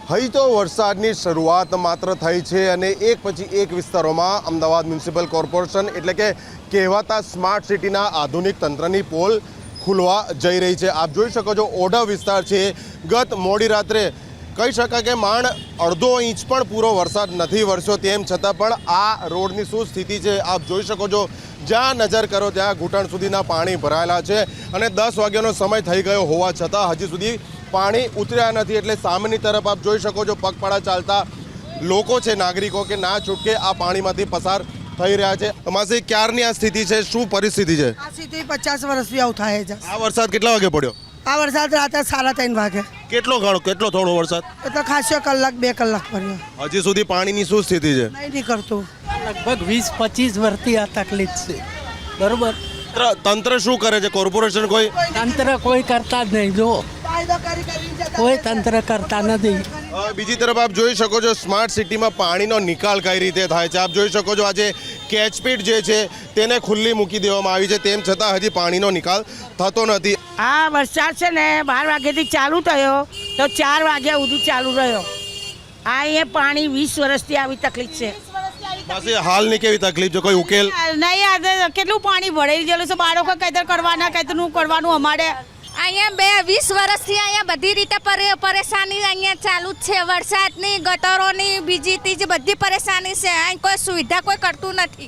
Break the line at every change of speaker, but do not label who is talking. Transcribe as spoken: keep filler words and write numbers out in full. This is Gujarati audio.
હજી તો વરસાદની શરૂઆત માત્ર થઈ છે અને એક પછી એક વિસ્તારોમાં અમદાવાદ મ્યુનિસિપલ કોર્પોરેશન એટલે કે કહેવાતા સ્માર્ટ સિટીના આધુનિક તંત્રની પોલ ખુલવા જઈ રહી છે। આપ જોઈ શકો છો ઓઢવ વિસ્તાર છે। ગત મોડી રાત્રે કહી શકાય કે માંડ અડધો ઇંચ પણ પૂરો વરસાદ નથી વરસ્યો, તેમ છતાં પણ આ રોડની શું સ્થિતિ છે આપ જોઈ શકો છો। જ્યાં નજર કરો ત્યાં ઘૂંટણ સુધીના પાણી ભરાયેલા છે અને દસ વાગ્યાનો સમય થઈ ગયો હોવા છતાં હજી સુધી પાણી ઉતર્યા નથી। એટલે સામેની તરફ આપ જોઈ શકો છો પગપાળા ચાલતા લોકો છે, નાગરિકો કે ના છૂટકે આ પાણીમાંથી પસાર થઈ રહ્યા છે। અમાસી ક્યારની આ સ્થિતિ છે, શું પરિસ્થિતિ છે?
આ સ્થિતિ પચાસ વર્ષથી આવું થાય છે।
આ વરસાદ કેટલા વાગે પડ્યો?
આ વરસાદ રાતે સાડા ત્રણ વાગે।
કેટલો ઘણો કેટલો થોડો વરસાદ?
એ તો ખાસો કલાક બે કલાક પડ્યો।
હજી સુધી પાણીની શું સ્થિતિ છે?
નહીં નીકળતું।
લગભગ વીસ પચીસ વર્ષથી આ તકલીફ છે, બરોબર।
તંત્ર તંત્ર શું કરે છે? કોર્પોરેશન કોઈ
તંત્ર કોઈ કરતા જ નહીં, જો કોઈ તંત્ર કરતા નથી।
અ, બીજી તરફ આપ જોઈ શકો છો સ્માર્ટ સિટીમાં પાણીનો નિકાલ કઈ રીતે થાય છે। આપ જોઈ શકો છો આજે કેચપીટ જે છે તેને ખુલ્લી મૂકી દેવામાં આવી છે, તેમ છતાં હજી પાણીનો નિકાલ થતો નથી।
આ વરસાદ છે ને બાર વાગ્યાથી ચાલુ થયો તો ચાર વાગ્યા સુધી ચાલુ રહ્યો। આ અહીંયા પાણી વીસ વર્ષથી આવી તકલીફ છે।
પાસે હાલની કેવી તકલીફ છે, કોઈ ઉકેલ
નહીં, આજે કેટલું પાણી ભરાઈ ગયેલું છે। બાળકો કઈતર કરવાના કઈતરનું કરવાનું અમારે
અહીંયા બે વીસ વર્ષથી અહીંયા બધી રીતે પરે- પરેશાની અહીંયા ચાલુ જ છે। વરસાદની, ગટરોની, બીજી ત્રીજી બધી પરેશાની છે। અહીં કોઈ સુવિધા કોઈ કરતું નથી।